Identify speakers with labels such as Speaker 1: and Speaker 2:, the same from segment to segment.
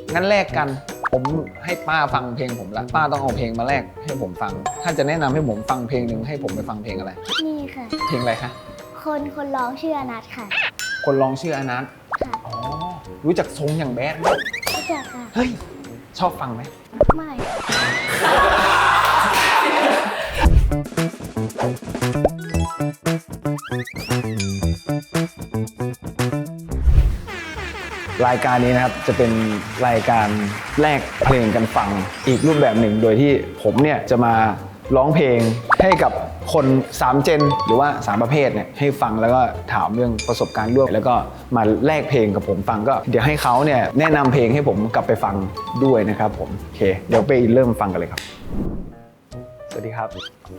Speaker 1: งั้นแลกกันผมให้ป้าฟังเพลงผมละป้าต้องเอาเพลงมาแลกให้ผมฟังถ้าจะแนะนำให้ผมฟังเพลงหนึ่งให้ผมไปฟังเพลงอะไร
Speaker 2: นี่ค่ะ
Speaker 1: เพลงอะไรคะ
Speaker 2: คนร้องชื่ออนัทค่ะ
Speaker 1: คนร้องชื่ออนัท
Speaker 2: ค่ะ
Speaker 1: อ๋อรู้จักทรงอย่างแบดไหม
Speaker 2: รู้จักค่ะ
Speaker 1: เฮ้ยชอบฟังไหม
Speaker 2: ไม่
Speaker 1: รายการนี้นะครับจะเป็นรายการแลกเพลงกันฟังอีกรูปแบบหนึ่งโดยที่ผมเนี่ยจะมาร้องเพลงให้กับคน3เจนหรือว่า3ประเภทเนี่ยให้ฟังแล้วก็ถามเรื่องประสบการณ์ร่วมแล้วก็มาแลกเพลงกับผมฟังก็เดี๋ยวให้เขาเนี่ยแนะนำเพลงให้ผมกลับไปฟังด้วยนะครับผมโอเคเดี๋ยวไปเริ่มฟังกันเลยครับสวัสดีครับ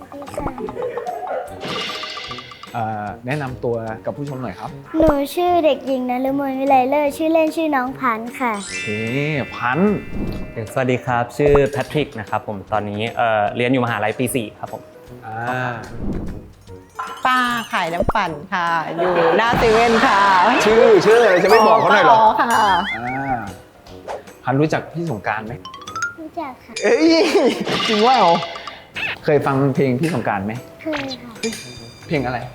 Speaker 1: แนะนำตัวกับผู้ชมหน่อยครับ
Speaker 2: หนูชื่อเด็กหญิงนฤมลวิไลเลิศชื่อเล่นชื่อน้องพันธุ์ค่ะ
Speaker 1: พันธุ์
Speaker 3: สวัสดีครับชื่อแพทริกนะครับผมตอนนี้เรียนอยู่มหาลัยปี4ครับผม
Speaker 4: ป้าขายน้ำปั่นค่ะอยู่หน้าเซเว่นค่ะ
Speaker 1: ชื่ออะไรจะไม่บอกเขาหน่อยหรอ
Speaker 4: ค่ะ
Speaker 1: พันรู้จักพี่สงกรานต์ไหม
Speaker 2: รู้จักค่ะ
Speaker 1: เอ้ยจริงว่าเคยฟังเพลงพี่สงกรานต์ไหม
Speaker 2: เคยค่ะ
Speaker 1: เพลงอะไร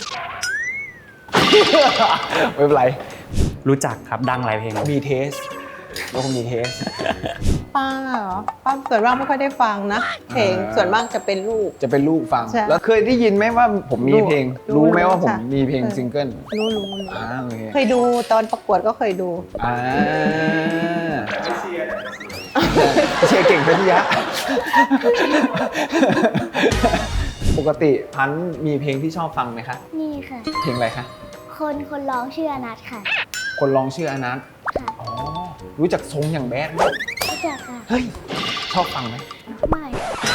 Speaker 1: ไม่เป็นไร
Speaker 3: รู้จักครับดังหลายเพลง
Speaker 1: มีเทสแล้วก็มีเทส
Speaker 4: ป้าเหรอป้าส่วนมากไม่ค่อยได้ฟังนะเพลงส่วนมากจะเป็นลูก
Speaker 1: ฟังแล้วเคยได้ยินไหมว่าผมมีเพลงรู้ไหมว่าผมมีเพลงซิงเกิล
Speaker 4: รู้เคยดูตอนประกวดก็เคยดู
Speaker 1: เชียร์เก่งพิทยะปกติพันธุ์มีเพลงที่ชอบฟังไหมคะ
Speaker 2: นี่ค่ะ
Speaker 1: เพลงอะไรคะ
Speaker 2: คนร้องชื่ออนัทค่ะ
Speaker 1: คนร้องชื่ออนัท
Speaker 2: ค่ะ
Speaker 1: อ๋อรู้จักทรงอย่างแบดไหม
Speaker 2: รู้จักค่ะ
Speaker 1: เฮ้ยชอบฟังไหม
Speaker 2: ไม่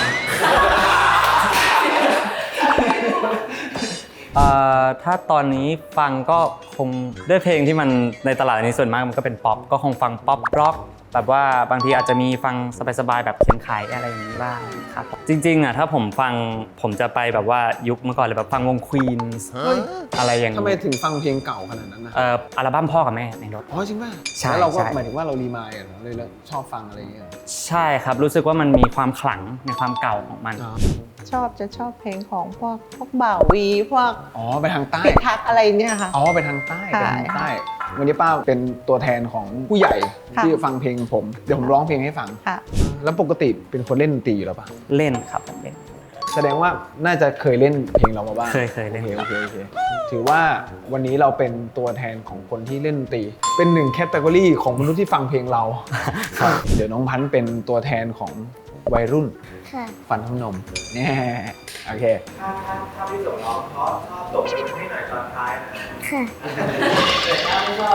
Speaker 3: ถ้าตอนนี้ฟังก็คงด้วยเพลงที่มันในตลาดนี้ส่วนมากมันก็เป็นป๊อปก็คงฟังป๊อปร็อกแบบว่าบางทีอาจจะมีฟังสบายๆแบบเขียนขายอะไรอย่างนี้บ้างครับจริงๆถ้าผมฟังผมจะไปแบบว่ายุคเมื่อก่อนเลยแบบฟังวง Queen อะไรอย่างนี้
Speaker 1: ทำไมถึงฟังเพลงเก่าขนาดนั้นนะ
Speaker 3: อัลบั้มพ่อกับแม่ในรถ
Speaker 1: อ๋อจริงป่ะ
Speaker 3: ใช่
Speaker 1: แล้วเราก็หมายถึงว่าเรารีมายด์เหรอเลยชอบฟังอะไรอย่างเงี้ย
Speaker 3: ใช่ครับรู้สึกว่ามันมีความขลังในความเก่าของมัน
Speaker 4: ชอบเพลงของพวกบ่าววีพวก
Speaker 1: ไปทางใต้
Speaker 4: พิทักษ์อะไรเนี่ยค่ะ
Speaker 1: ไปทางใต้วันนี้ป้าเป็นตัวแทนของผู้ใหญ่ที่ฟังเพลงผมเดี๋ยวผมร้องเพลงให้ฟังแล้วปกติเป็นคนเล่นดนตรีอยู่แล้วป่ะ
Speaker 3: เล่นครับผมเล่น
Speaker 1: แสดงว่าน่าจะเคยเล่นเพลงเรามาบ้าง
Speaker 3: เคยเล่น
Speaker 1: โอเคถือว่าวันนี้เราเป็นตัวแทนของคนที่เล่นดนตรีเป็นหนึ่งแคตตากรีของมนุษย์ที่ฟังเพลงเราเดี๋ยวน้องพันธุ์เป็นตัวแทนของวัยรุ่นฟันทำนมเนี่ยโอเคถ้าพี่สมร้องชอบตบมือให้หน่อยตอนท้ายนะค่ะถ้าไม่ช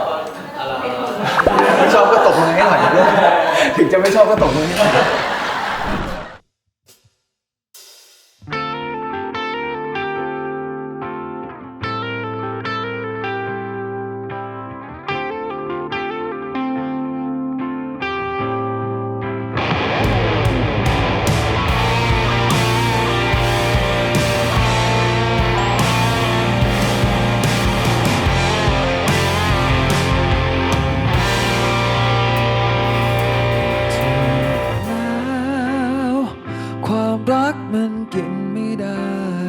Speaker 1: อบก็ตบมือให้หน่อยถึงจะไม่ชอบก็ตบมือให้หน่อย
Speaker 5: รักมันกินไม่ได้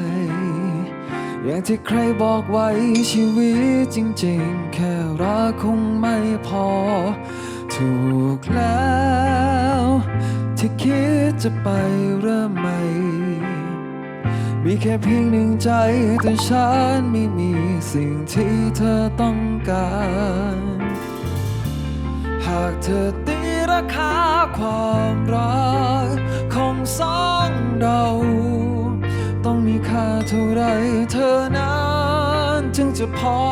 Speaker 5: อย่างที่ใครบอกไว้ชีวิตจริงๆแค่รักคงไม่พอถูกแล้วที่คิดจะไปเริ่มใหม่มีแค่เพียงหนึ่งใจแต่ฉันไม่มีสิ่งที่เธอต้องการหากเธอตีราคาความรักของสองเราต้องมีค่าเท่าไรเธอนั้นจึงจะพอ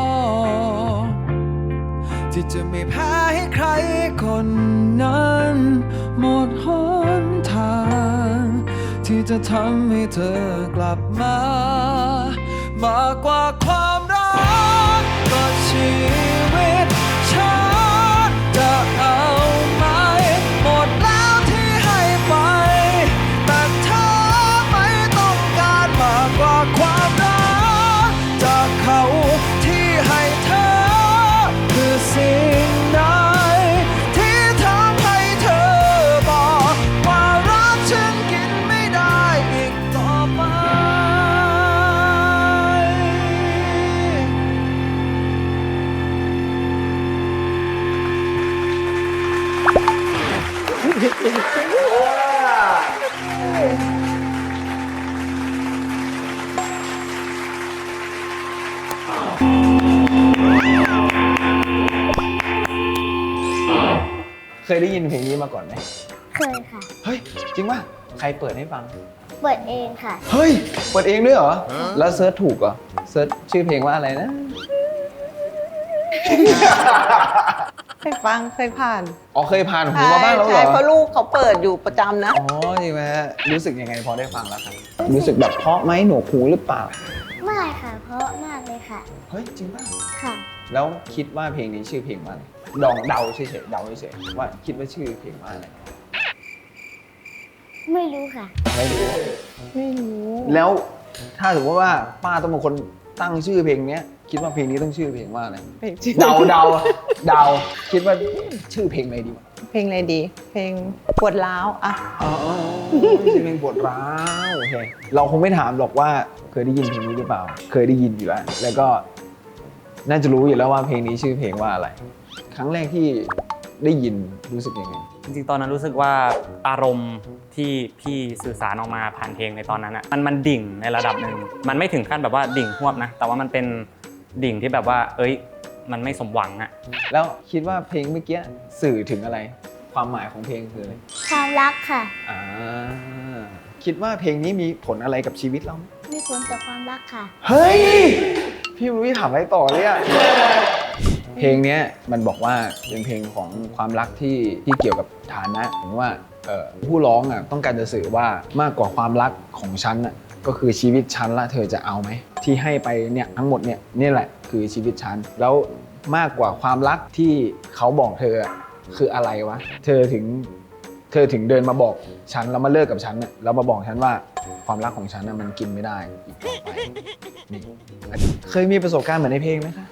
Speaker 5: ที่จะไม่แพ้ให้ใครคนนั้นหมดหนทางที่จะทำให้เธอกลับมามากกว่าความรักก็ชีวิตฉันจะเอาไหมหมดแล้วที่ให้ไปแต่เธอไม่ต้องการมากกว่าความรักจากเขาที่ให้เธอคือสิ่งใดที่ท
Speaker 1: เคยได้ยินเพลงนี้มาก่อนไหม
Speaker 2: เคยค่ะ
Speaker 1: เฮ้ย จริงป่ะ ใครเปิดให้ฟัง
Speaker 2: เปิดเองค่ะ
Speaker 1: เฮ้ย เปิดเองด้วยเหรอ แล้วเซิร์ชถูกเหรอ เซิร์ชชื่อเพลงว่าอะไรนะ
Speaker 4: เคยฟังเคยผ่าน
Speaker 1: อ๋อเคยผ่านหูมาบ้างแล้วเหร
Speaker 4: ใช่
Speaker 1: อ
Speaker 4: เพราะลูกเขาเปิดอยู่ประจำนะ
Speaker 1: อ๋อจริงไหมฮะรู้สึกยังไงพอได้ฟังแล้วครับ รู้สึกแบบเพราะไหมหนวกหูหรือเปล่า
Speaker 2: ไม่ค่ะ เพราะมากเลยค่ะ
Speaker 1: เฮ้ย จริงป่ะ
Speaker 2: ค่ะ
Speaker 1: แล้วคิดว่าเพลงนี้ชื่อเพลงว่าอะไรเดาเฉยๆเดาเฉยๆว่าคิดว่าชื่อเพลงว่าอะไร
Speaker 2: ไม่รู้ค่ะ
Speaker 1: ไม่รู้
Speaker 4: ไม่รู้
Speaker 1: แล้วถ้าสมมติว่าป้าต้องเป็นคนตั้งชื่อเพลงเนี้ย คิดว่าเพลงนี้ต้องชื่อเพลงว่าอะไร
Speaker 4: เพลงชื่อ
Speaker 1: เดาคิดว่าชื่อเพลงอะไรดีวะ
Speaker 4: เพลงอะไรดี เพลงปวดร้าวอ่ะ
Speaker 1: อ๋อชื่อเพลงปวดร้าวโอเคเราคงไม่ถามหรอกว่าเคยได้ยินเพลงนี้หรือเปล่า เคยได้ยินอยู่แล้วแล้วก็น่าจะรู้อยู่แล้วว่าเพลงนี้ชื่อเพลงว่าอะไร ครั้งแรกที่ได้ยินรู้สึกยังไง
Speaker 3: จริงๆ ตอนนั้นรู้สึกว่าอารมณ์ที่พี่สื่อสารออกมาผ่านเพลงในตอนนั้นอ่ะมันดิ่งในระดับหนึ่งมันไม่ถึงขั้นแบบว่าดิ่งหวบนะแต่ว่ามันเป็นดิ่งที่แบบว่า เอ้ย มันไม่สมหวังอ่ะ
Speaker 1: แล้วคิดว่าเพลงเมื่อกี้สื่อถึงอะไร ความหมายของเพลงคืออะไร
Speaker 2: ความรักค่ะ
Speaker 1: อ่าคิดว่าเพลงนี้มีผลอะไรกับชีวิตเราไหม
Speaker 2: มีผลต่อความรักค่ะ
Speaker 1: เฮ้ย พี่รู้ที่ถามอะไรต่อเลยอะเพลงเนี้ยมันบอกว่าเป็นเพลงของความรักที่เกี่ยวกับฐานะผมว่าผู้ร้องอะต้องการจะสื่อว่ามากกว่าความรักของฉันอะก็คือชีวิตฉันละเธอจะเอาไหมที่ให้ไปเนี่ยทั้งหมดเนี่ยนี่แหละคือชีวิตฉันแล้วมากกว่าความรักที่เขาบอกเธออะคืออะไรวะเธอถึงเดินมาบอกฉันแล้วมาเลิกกับฉันเนี่ยแล้วมาบอกฉันว่าความรักของฉันน่ะมันกินไม่ได้อีกต่อไปนี่เคยมีประสบการณ์เหมือนในเพลงไหมคะ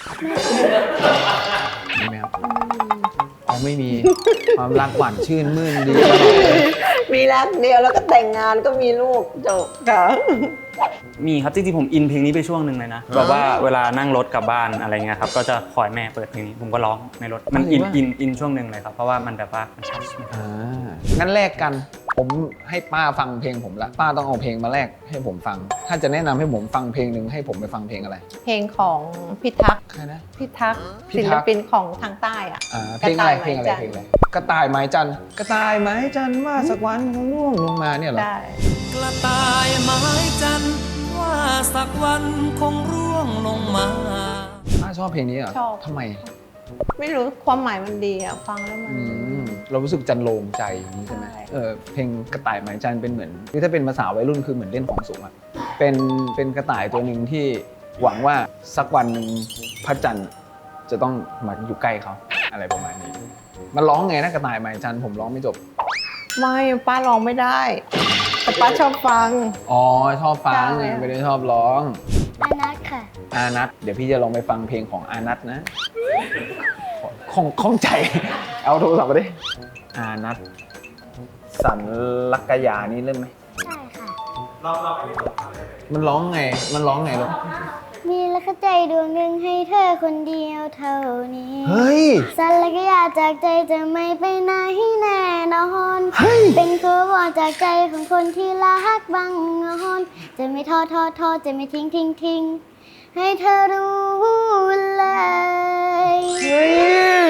Speaker 1: มีไหมครับเอาไม่มีความรักหวานชื่นมื่นดีตลอดเลย
Speaker 4: มีรักเดียวแล้วก็แต่งงานก็มีลูกจบค่ะ
Speaker 3: มีครับจริงๆผมอินเพลงนี้ไปช่วงหนึ่งเลยนะแบบว่าเวลานั่งรถกลับบ้านอะไรเงี้ยครับก็จะคอยแม่เปิดเพลงนี้ผมก็ร้องในรถมันอินช่วงหนึ่งเลยครับเพราะว่ามันแบบว่ามันชัด
Speaker 1: งั้นแลกกันผมให้ป้าฟังเพลงผมละป้าต้องเอาเพลงมาแลกให้ผมฟัง ถ้าจะแนะนำให้ผมฟังเพลงหนึ่งให้ผมไปฟังเพลงอะไร
Speaker 4: เพลงของพิทักษ์
Speaker 1: ใครนะ
Speaker 4: พิทักษ์
Speaker 1: พิ
Speaker 4: ศิ
Speaker 1: ทั
Speaker 4: ล
Speaker 1: กษ์
Speaker 4: ปินของทางใต้อ่ะ
Speaker 1: เพลงอะไร
Speaker 4: ก
Speaker 1: เพลง
Speaker 4: ต่าย
Speaker 1: อะไร
Speaker 4: ไม้
Speaker 1: เพลง
Speaker 4: จันท
Speaker 1: อะไรกระต่ายไม้จันทร์กระต่ายไม้จันทร์ว่าสักวันคงร่วงลงมาเนี่ยเหรอ
Speaker 4: ได้
Speaker 5: กระต่ายไม้จันทร์ว่าสักวันคงร่วงลงมา
Speaker 1: ป้าชอบเพลงนี้เหรอ
Speaker 4: ชอบ
Speaker 1: ทำไม
Speaker 4: ไม่รู้ความหมายมันดีอ่ะ ฟังแล้วมัน
Speaker 1: เรารู้สึกจันโลงใจอย่างนี้ใช่ไหม
Speaker 4: ใช่
Speaker 1: เพลงกระต่ายไม้จันทร์เป็นเหมือนคือถ้าเป็นภาษาวัยรุ่นคือเหมือนเล่นของสูงอะเป็นกระต่ายตัวหนึ่งที่หวังว่าสักวันหนึ่งพระจันทร์จะต้องมาอยู่ใกล้เขาอะไรประมาณนี้ มันร้องไงนะกระต่ายไม้จันทร์ผมร้องไม่จบ
Speaker 4: ไม่ป้าร้องไม่ได้ แต่ป้าชอบฟัง
Speaker 1: อ๋อชอบฟัง
Speaker 4: ใช่
Speaker 1: ไม่ได้ชอบร้อง
Speaker 2: อานัทค่ะ
Speaker 1: อานัทเดี๋ยวพี่จะลองไปฟังเพลงของอานัทนะข้องใจ เอาโทรศัพท์มาดิอานัทสันลักกยานี่เล่นไหม
Speaker 2: ใช่ค่ะ
Speaker 1: มันร้องไงลูก
Speaker 2: มีรักใจดวงหนึ่งให้เธอคนเดียวเท่านี้
Speaker 1: เฮ้ย
Speaker 2: สันและก็อยากจากใจจะไม่ไปไหนแน่นอน
Speaker 1: เฮ้ย
Speaker 2: เป็นคือว่าจากใจของคนที่รักบังงอนจะไม่ท้อจะไม่ทิ้งให้เธอรู้เลย
Speaker 1: เฮ้ย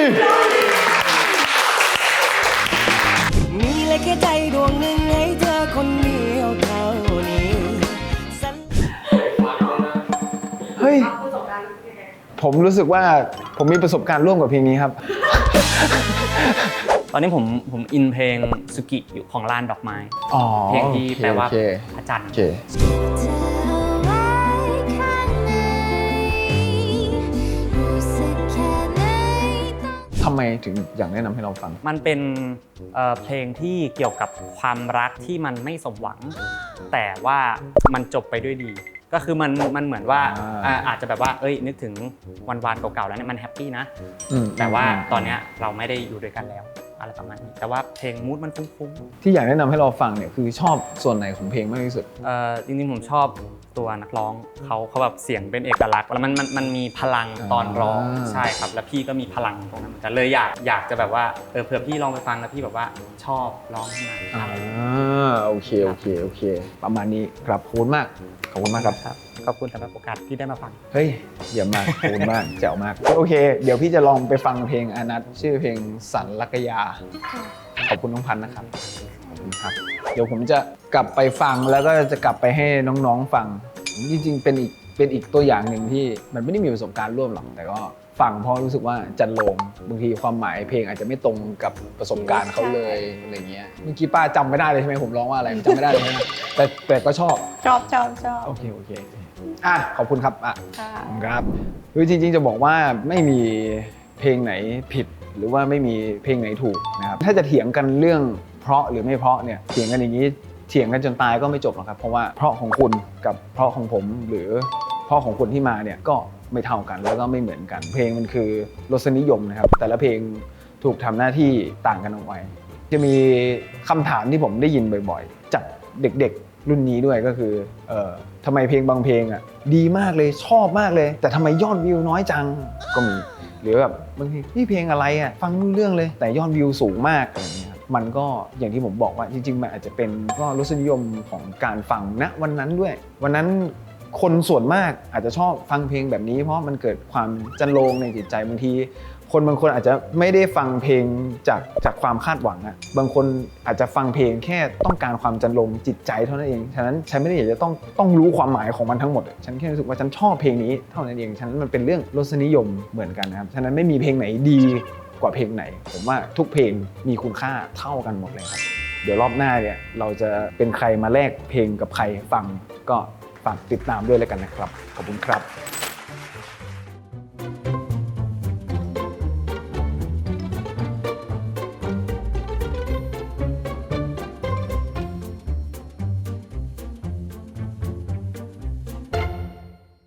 Speaker 5: มีเลยแค่ใจดวงหนึ่งให้เธอคนเดียวเท่านี้
Speaker 1: เฮ้ย ผมรู้สึกว่าผมมีประสบการณ์ร่วมกับเพลงนี้ครับ
Speaker 3: ตอนนี้ผมอินเพลงสุกิอยู่ของลานดอกไม้
Speaker 1: อ๋อ
Speaker 3: เพลงที่แปลว่า
Speaker 1: โอเค
Speaker 3: พระจันทร์
Speaker 1: โอเค
Speaker 2: เธอไว้ข้างในรู้สึกแค่ไหน
Speaker 1: ทำไมถึงอยากแนะนำให้เราฟัง
Speaker 3: มันเป็นเพลงที่เกี่ยวกับความรักที่มันไม่สมหวัง แต่ว่ามันจบไปด้วยดี ก็คือมันเหมือนว่าอาจจะแบบว่าเอ้ยนึกถึงวันเก่าๆแล้วเนี่ยมันแฮปปี้นะ แต่ว่าตอนเนี้ยเราไม่ได้อยู่ด้วยกันแล้วอะไรประมาณนี้แต่ว่าเพลงมูดมันฟุ้ง
Speaker 1: ที่อยากแนะนำให้เราฟังเนี่ยคือชอบส่วนไหนของเพลงมากที่สุด
Speaker 3: ๆจริงๆผมชอบตัวนักร้องเขาแบบเสียงเป็นเอกลักษณ์แล้วมันมีพลังตอนร้องใช่ครับแล้วพี่ก็มีพลังตรงนั้นเหมือนกันเลยอยากจะแบบว่าเผื่อพี่ลองไปฟังแล้วพี่แบบว่าชอบร้องขึ้นมาอะไรอย่างเงี้ย
Speaker 1: โอเคประมาณนี้ครับขอบคุณมากขอบคุณมากครับ
Speaker 3: ครับขอบคุณสำหรับโอกาสที่ได้มาฟัง
Speaker 1: เฮ้ยเยี่ยมมากขอบคุณมากแจ๋วมากโอเค เดี๋ยวพี่จะลองไปฟังเพลงอานัทชื่อเพลงสันลักยาขอบคุณน้องพันธ์นะครับขอบคุณครับ เดี๋ยวผมจะกลับไปฟังแล้วก็จะกลับไปให้น้องๆฟังจริงๆเป็นอีกตัวอย่างหนึ่งที่มันไม่ได้มีประสบการณ์ร่วมหรอกแต่ก็ฟังเพราะรู้สึกว่าจันโลงบางทีความหมายเพลงอาจจะไม่ตรงกับประสบการณ์เขาเลยอะไรเงี้ยเมื่อกี้ป้าจำไม่ได้เลยใช่ไหมผมร้องว่าอะไรจำไม่ได้เลยใช่ไหมแต่ก็ชอบ
Speaker 4: ชอบ
Speaker 1: โอเคขอบคุณครับ
Speaker 4: ค่ะ
Speaker 1: ขอบคุณครับคือจริงๆจะบอกว่าไม่มีเพลงไหนผิดหรือว่าไม่มีเพลงไหนถูกนะครับถ้าจะเถียงกันเรื่องเพราะหรือไม่เพราะเนี่ยเถียงกันอย่างนี้เถียงกันจนตายก็ไม่จบหรอกครับเพราะว่าเพราะของคุณกับเพราะของผมหรือเพราะของคนที่มาเนี่ยก็ไม่เท่ากันแล้วก็ไม่เหมือนกันเพลงมันคือรสนิยมนะครับแต่ละเพลงถูกทำหน้าที่ต่างกันออกไปจะมีคำถามที่ผมได้ยินบ่อยๆจากเด็กๆรุ่นนี้ด้วยก็คือทำไมเพลงบางเพลงอ่ะดีมากเลยชอบมากเลยแต่ทำไมยอดวิวน้อยจังก็มีหรือแบบบางทีนี่เพลงอะไรอ่ะฟังไม่รู้เรื่องเลยแต่ยอดวิวสูงมากอะไรอย่างเงี้ยครับมันก็อย่างที่ผมบอกว่าจริงๆมันอาจจะเป็นก็รสนิยมของการฟังณวันนั้นด้วยวันนั้นคนส่วนมากอาจจะชอบฟังเพลงแบบนี้เพราะมันเกิดความจันโลงในจิตใจบางทีคนบางคนอาจจะไม่ได้ฟังเพลงจากความคาดหวังอะบางคนอาจจะฟังเพลงแค่ต้องการความจันโลงจิตใจเท่านั้นเองฉะนั้นฉันไม่ได้อยากจะต้องรู้ความหมายของมันทั้งหมดฉันแค่รู้สึกว่าฉันชอบเพลงนี้เท่านั้นเองฉะนั้นมันเป็นเรื่องรสนิยมเหมือนกันนะครับฉะนั้นไม่มีเพลงไหนดีกว่าเพลงไหนผมว่าทุกเพลงมีคุณค่าเท่ากันหมดเลยครับเดี๋ยวรอบหน้าเนี่ยเราจะเป็นใครมาแลกเพลงกับใครฟังก็ฝากติดตามด้วยแล้วกันนะครับขอบคุณครับ